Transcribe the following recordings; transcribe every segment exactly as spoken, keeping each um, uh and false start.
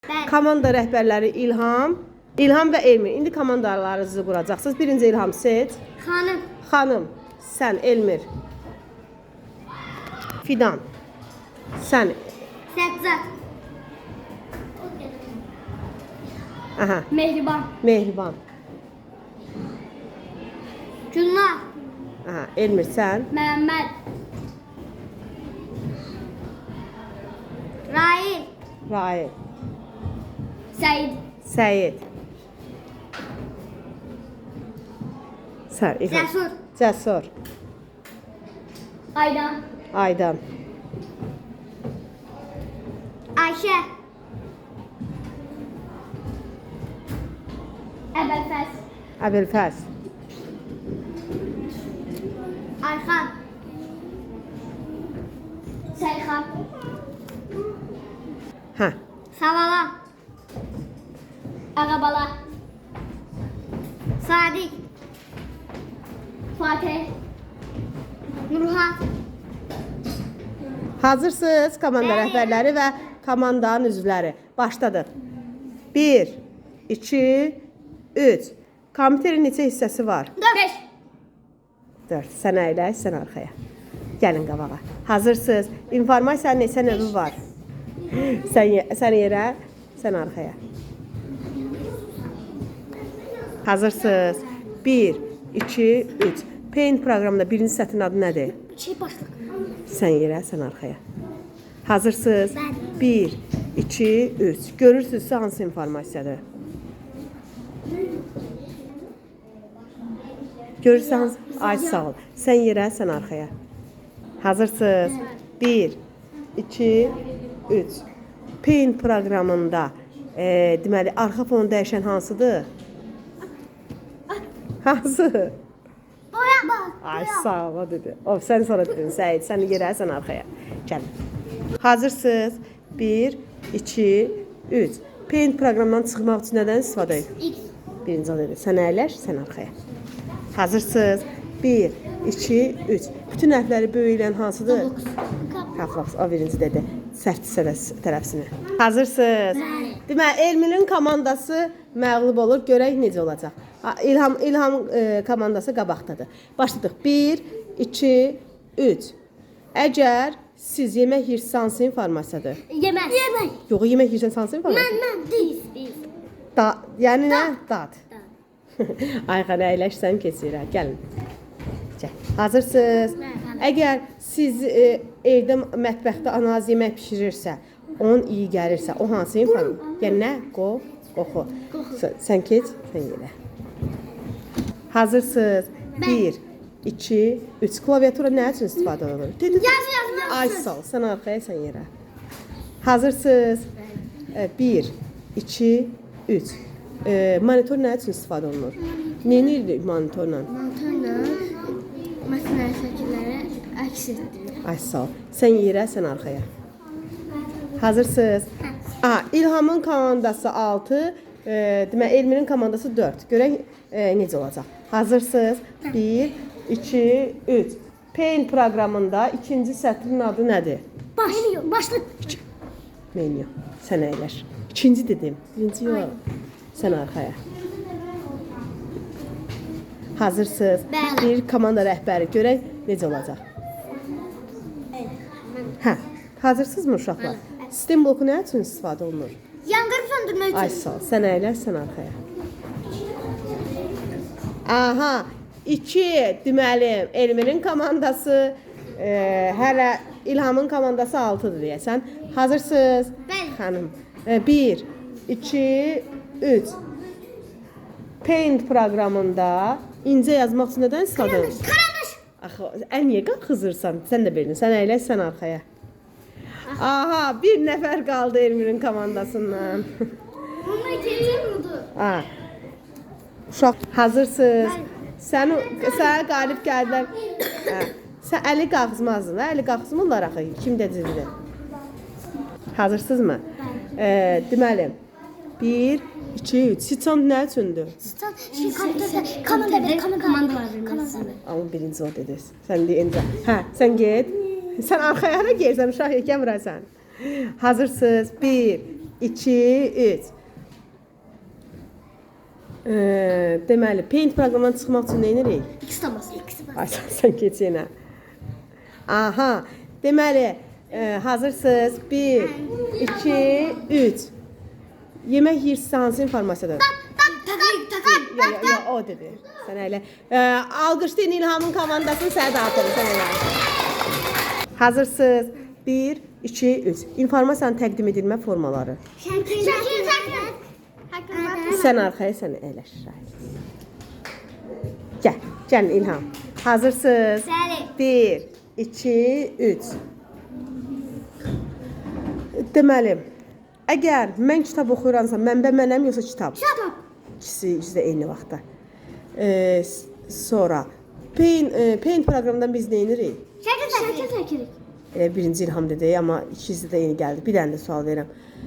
Bəli. Komanda rəhbərləri İlham, İlham və Elmir. İndi komandalarınızı quracaqsınız. Birinci İlham seç. Xanım. Xanım, sən Elmir. Fidan, sən. Səccad. Aha, Mehriban. Mehriban. Gülnar. Aha, Elmir sən. Məhəmməd. Rail. Rail, Səid. Səyid. Sən İlham. Cəsur. Cəsur. Aydan. Aydan. Ayşə. Əbəlfəz. Əbülfəz. Ayxan. Səyxan. Hə. Savala. Ağabala. Sadiq. Fatih. Nurhan. Hazırsınız komanda Bəli. rəhbərləri və komandanın üzvləri. Başladıq. bir, iki, üç. Kompüterin neçə hissəsi var? Beş. dörd. Sən əyləş, sən arxaya. Gəlin qabağa. Hazırsınız. İnformasiyanın neçə növü var? Sən, ye- sən yerə, sən arxaya. Hazırsınız. bir, iki, üç. Paint proqramında birinci sətrin adı nədir? Şey başlıq. Sən yerə, sən arxaya. Hazırsınız. Bəli. bir, iki, üç. Görürsünüzsə hansı informasiyadır? Görürsəniz, ay sağ ol. Sən yerə, sən arxaya. Hazırsınız. bir, iki, üç. Paint proqramında e, deməli arxa fonu dəyişən hansıdır? Hansı? Boya bak. Ay sağ ol, o dedi. O sən sonra dedin, Səid, sən yerə, sən arxaya. Gəlin. Hazırsınız. bir, iki, üç. Paint proqramından çıxmaq üçün nədən istifadə edin? X. Birinci o dedi. Sən əyləş, sən arxaya. Hazırsınız. bir, iki, üç. Bütün hərfləri böyüyən hansıdır? Haflax, o birinci dedi. Sərt tərəfsini. Hazırsınız. Deməli, Elminin komandası məğlub olur. Görək necə olacaq. Ha, İlham İlham e, komandası qabaqdadır. Başladıq. bir, iki, üç. Əgər siz yemək yeyirsiniz, hansı informasiyadır? Yemək. Yemək. Yox, yemək yeyirsiniz, hansı informasiyadır? Mən, mən, biz, biz. Da, yəni nə? Dad. Dad. Ayxan əyləşsən keçirək. Gəlin. Gəl. Hazırsınız? Əgər siz e, evdə mətbəxdə anaz yemək bişirirsə, onun iyi gəlirsə, o hansı informasiya? Yəni nə? Qo, qoxu. Sən, sən keç, sən yelə. Hazırsınız? bir, iki, üç. Klaviatura nə üçün istifadə olunur? Dedi. Yaz, yaz, Ay sağ ol. Sən arxaya, sən yerə. Hazırsınız? bir, iki, üç. E, monitor nə üçün istifadə olunur? Neyini edirik monitorla? Mantarla məsələn şəkilləri əks etdirir. Ay sağ ol. Sən yerə, sən arxaya. Hazırsınız? Aha, İlhamın komandası altı, e, demək Elmirin komandası dörd. Görək e, necə olacaq. Hazırsınız? bir, iki, üç. Paint proqramında ikinci sətrin adı nədir? Baş, başlıq. Menyu. Sən əyləş. İkinci dedim. Birinci yox. Sən arxaya. Hazırsınız? Bəli. Bir komanda rəhbəri. Görək necə olacaq. Hə. Hazırsınızmı uşaqlar? Sistem bloku nə üçün istifadə olunur? Yanğın söndürmək Ay üçün. sağ ol. Sən əyləş, sən arxaya. Aha. İki, deməli, Elmirin komandası, e, hələ İlhamın komandası altıdır deyəsən. Hazırsınız? Bəli. Xanım. E, bir, iki, üç. Paint proqramında incə yazmaq üçün nədən istifadə olunur? Karandaş. Axı, ən niyə qalxızırsan? Sən də bildin. Sən əyləş, sən arxaya. Aha, bir nəfər qaldı Elmirin komandasından. Bunlar ikinci budur. Ha. Uşaq, hazırsınız? Sən sənə qalib gəldilər. Hə. Sən əli qalxızmazdın, hə? Əli qalxızmırlar axı. Kim dedilər? Hazırsınızmı? E, deməli, bir, iki, üç. Siçan nə üçündür? Stan şey kompüterdə komanda bir komanda var. Komanda. Amma birinci o dediniz. Sən deyincə. Hə, sən get. Sən arxaya hara gəlsən, uşaq yekə vurasan. Hazırsınız? bir, iki, üç. Ee, deməli, Paint proqramından çıxmaq üçün nə edirik? İkisi de basın. İkisi basın. Ay, sən, sən geç yenə. Aha, deməli, e, hazırsınız. Bir, iki, üç. Yemək yeyirsinizsə hansı informasiyadır? Takayım, takayım. Yo, yo, yo, o dedi. Sən elə. E, alqışlayın İlhamın komandasını, sənə dağıtırım, sən elə. Hazırsınız. Bir, iki, üç. İnformasiyanın təqdim edilmə formaları. Şəkil, şəkil, şəkil. Sən arxaya, sən elə. Gəl, gəlin İlham. Hazırsınız. Bəli. Bir, iki, üç. Deməli, əgər mən kitab oxuyuramsa, mənbə mənəm yoxsa kitab? Kitap. İkisi, ikisi də eyni vaxtda. Ee, sonra, Paint, e, Paint proqramından biz nə edirik? Şəkil, şəkil, şəkil. Elə birinci İlham dedi, amma ikisi də eyni gəldi. Bir dənə də sual verirəm.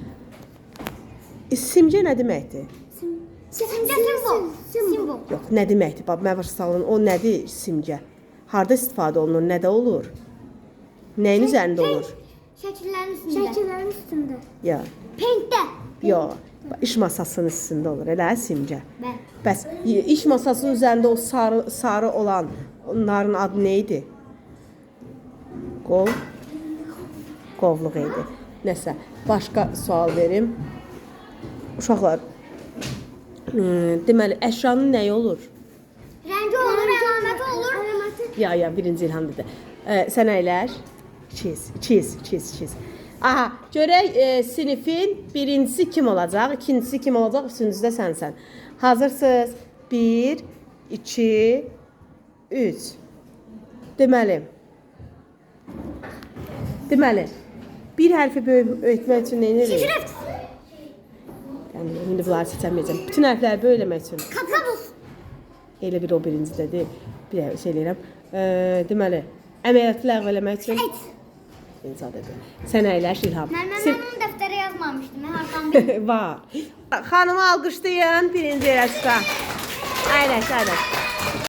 E, simgə nə deməkdir? Simgə simbol. Simbol. Yox, nə deməkdir? Bax, məvər salın, o nədir simgə? Harda istifadə olunur, nədə olur? Nəyin üzərində olur? Şəkillərin üstündə. Şəkillərin üstündə. Ya, Paintdə. yox. İş masasının üstündə olur, elə simgə. Bəli. Bəs y- iş masasının üzərində o sarı sarı olan onların adı nə idi? Qov. Qovluq idi. Nəsə, başqa sual verim. Uşaqlar, ıı, deməli, əşyanın nəyi olur? Rəngi olur, əlaməti olur. Əlaməti. Ya, ya, birinci İlham dedi. Ee, sən əyləş. Çiz, çiz, çiz, çiz. Aha, görək e, sinifin birincisi kim olacaq, ikincisi kim olacaq, üçüncüsü də sənsən. Hazırsınız? Bir, iki, üç. Deməli, deməli, bir hərfi böyütmək üçün nə edirik? Şrift. Yəni, indi bunları seçəməyəcəm. Bütün hərfləri böyüləmək üçün. Kabus. Elə bir o birincidir. Bir şey eləyirəm. E, deməli, əməliyyatı ləğv eləmək üçün. Et. İnsan dedi. Sən əyləş İlham. Mən mən Sim- onun dəftərə yazmamışdım. Mən hardan bildim. Var. Xanımı alqışlayın birinci yarışda. Əyləş, əyləş.